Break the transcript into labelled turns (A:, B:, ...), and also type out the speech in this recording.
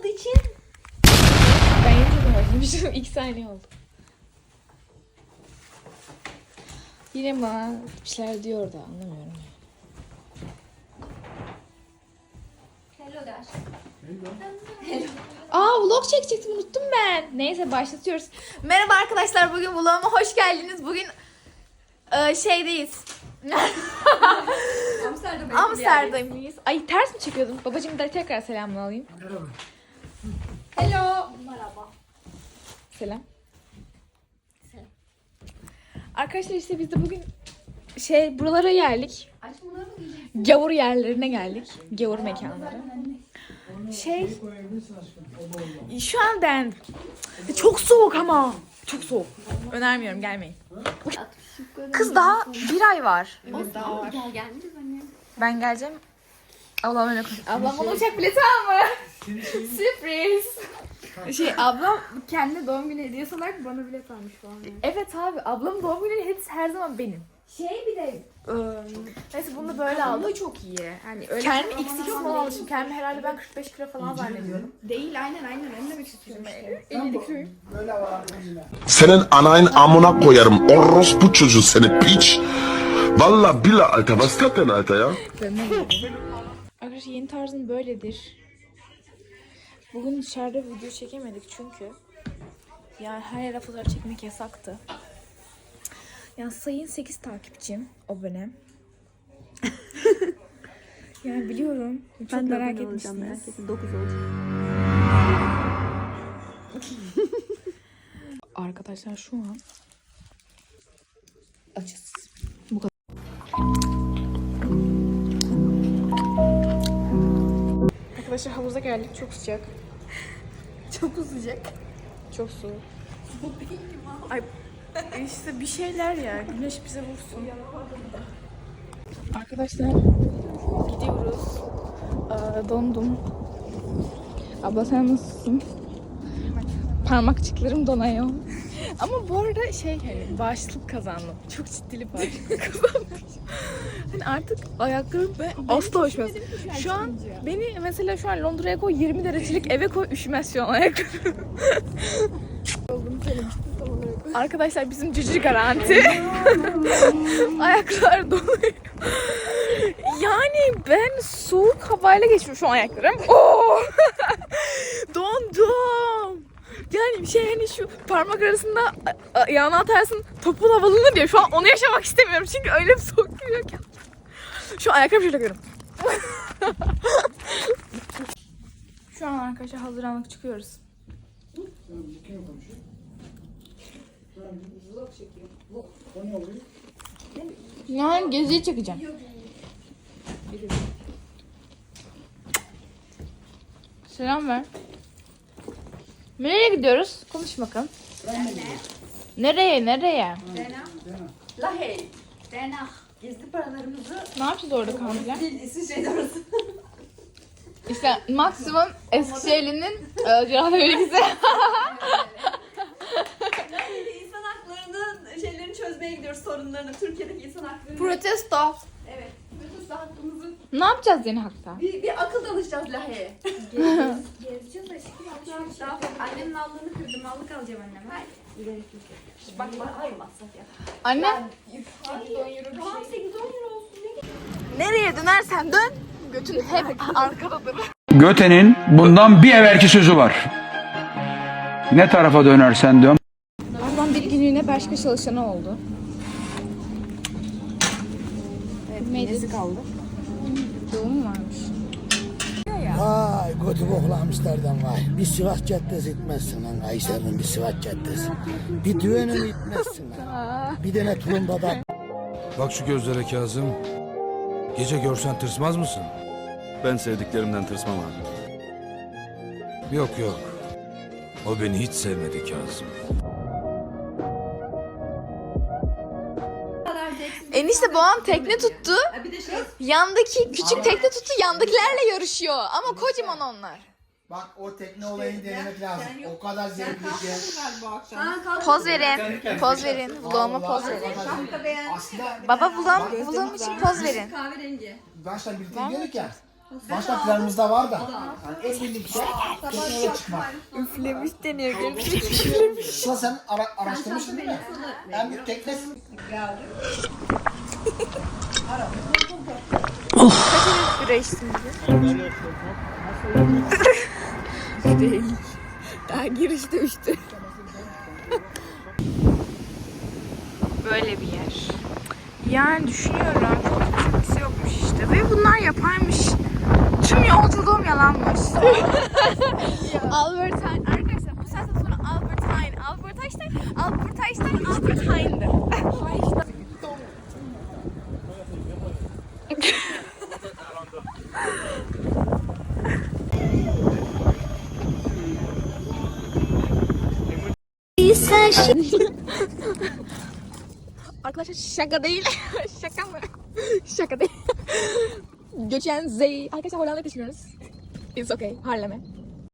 A: olmadığı için.
B: Ben yeni çok özlemişim. 2 saniye oldu. Yine bana bir şeyler diyor da anlamıyorum.
A: Hello de aşkım.
B: Vlog çekecektim unuttum ben. Neyse başlatıyoruz. Merhaba arkadaşlar, bugün vloguma hoş geldiniz. Bugün şeydeyiz. Amsterdam'dayız. Ay ters mi çekiyordum? Babacığım da tekrar selamını alayım.
C: Merhaba.
A: Hello. Merhaba.
B: Selam.
A: Selam.
B: Arkadaşlar işte biz de bugün buralara geldik.
A: Aşkım bunları mı diyeceksin?
B: Gavur yerlerine geldik. Gavur mekanları. Şu an beğendim. Çok soğuk ama. Çok soğuk. Önermiyorum, gelmeyin. Kız daha 1 ay var.
A: Evet daha var. Gel gelmeyeceğiz anne.
B: Ben geleceğim. Ablam öyle konuş.
D: Ablam bana uçak bileti almış. Sürpriz. Ablam kendi doğum günü hediyesi olarak bana bilet almış falan.
B: Evet abi, ablamın doğum günü hepsi her zaman benim.
D: Bir de neyse bunu da böyle aldım. Bu çok iyi. Yani öyle
B: Kendimi x2 falan almışım. Kendimi herhalde ben 45 kilo falan zannediyorum.
D: değil aynen ne demek istiyorum işte.
B: 50 kiloyum.
C: Böyle var yine.
E: Senin anayın amına koyarım. Orospu çocuğu seni piç. Valla billah Alter. Was ist das denn Alter ya?
B: Arkadaşlar yeni tarzım böyledir. Bugün dışarıda video çekemedik çünkü yani her yere fotoğraf çekmek yasaktı. Yani sayın 8 takipçim abone. Yani biliyorum. Çok merak etmişsiniz.
A: 9 olacak.
B: Arkadaşlar şu an açız. Bu kadar. Arkadaşlar havuza geldik. Çok sıcak.
D: Çok uzayacak.
B: Çok soğuk. Ay işte bir şeyler ya. Güneş bize vursun. Arkadaşlar gidiyoruz. Dondum. Abla sen nasılsın? Parmakçıklarım donuyor. Ama bu arada hani bağışıklık kazandım. Çok ciddi bir bağışıklık kazandım. Hani artık ayaklarım asla hoşmaz. Şu an beni mesela şu an Londra'ya koy, 20 derecelik eve koy, üşümez şu an ayaklarım. Arkadaşlar bizim cücü garanti. Ayaklar donuyor. Yani ben soğuk havayla geçiyorum şu an ayaklarım. Oo! Dondum. Yani hani şu parmak arasında ayağını atarsın topul havalanır diye. Şu an onu yaşamak istemiyorum çünkü öyle bir soğuk geliyor ki. Şu an ayaklarımı şöyle görüyorum. Şu an arkadaşlar hazırlanmak çıkıyoruz.
C: Kim konuşuyor? Vlog çekiyor. O ne oluyor?
B: Yani geziyi çekeceğim. Selam ver. Nereye gidiyoruz? Konuş bakalım. Nereye?
A: Lahey. Denah. Gizli paralarımızı
B: Ne yapacağız orada kampiler?
A: İsviçre'de orası.
B: İşte maksimum Eskişehirli'nin Cihaz Bölgesi.
A: İnsan haklarının şeylerini çözmeye gidiyoruz, sorunlarını. Türkiye'deki insan haklarını.
B: Protesto.
A: Evet. Protesto hakkımızı
B: Ne yapacağız yeni hakta?
A: bir akıl danışacağız Lahey'e.
D: Gezeceğiz aşkım.
A: Daha annemin allığını kırdım. Allık alacağım anneme. Bak hayır masraf ya.
B: Anne.
A: Tamam 8-10 euro olsun.
B: Nereye dönersen dön. Götün hep arkadadır.
F: Göte'nin bundan bir evvelki sözü var. Ne tarafa dönersen dön.
B: Ablam bir günlüğüne başka çalışanı oldu. Evet, nesi kaldı? Doğum varmış.
C: Vay kötü boklu Amsterdam vay. Bir Sivas Caddesi itmezsin lan Kayseri'nin bir Sivas Caddesi. Bir düğününü itmezsin lan. Bir tane tulumbada.
G: Bak şu gözlere Kazım. Gece görsen tırsmaz mısın?
H: Ben sevdiklerimden tırsmam abi.
G: Yok. O beni hiç sevmedi Kazım.
B: Enişte babam tekne tuttu.
A: Bir de
B: Yandaki küçük tekne tuttu. Yandakilerle yarışıyor. Ama kocaman onlar.
C: Bak o tekne olayını denemek lazım. O kadar zevkli ki.
B: Poz verin. Poz verin. Vloguma poz verin.
C: Aslında
B: Baba vlogum için poz verin.
A: kahverengi.
C: baştan birlikte gidiyorduk ya. Başka planımızda var da. Yani en birlikte tekneye çıkmak.
D: Üflemiş deniyor.
C: Sıla sen araştırmışsın değil mi? En büyük tekne.
B: Bira içtim değil. Daha girişte üçtü. Böyle bir yer. Yani düşünüyorum. Çok kimse yokmuş işte. Ve bunlar yapaymış. Tüm yolculuğum yalanmış. Albert Einstein. Arkadaşlar bu saatten sonra Albert Einstein'dı. Arkadaşlar şaka değil. Şaka mı? Şaka değil. Göçen Zey. Arkadaşlar Hollanda'ya taşınıyoruz. It's okay. Harlem'e.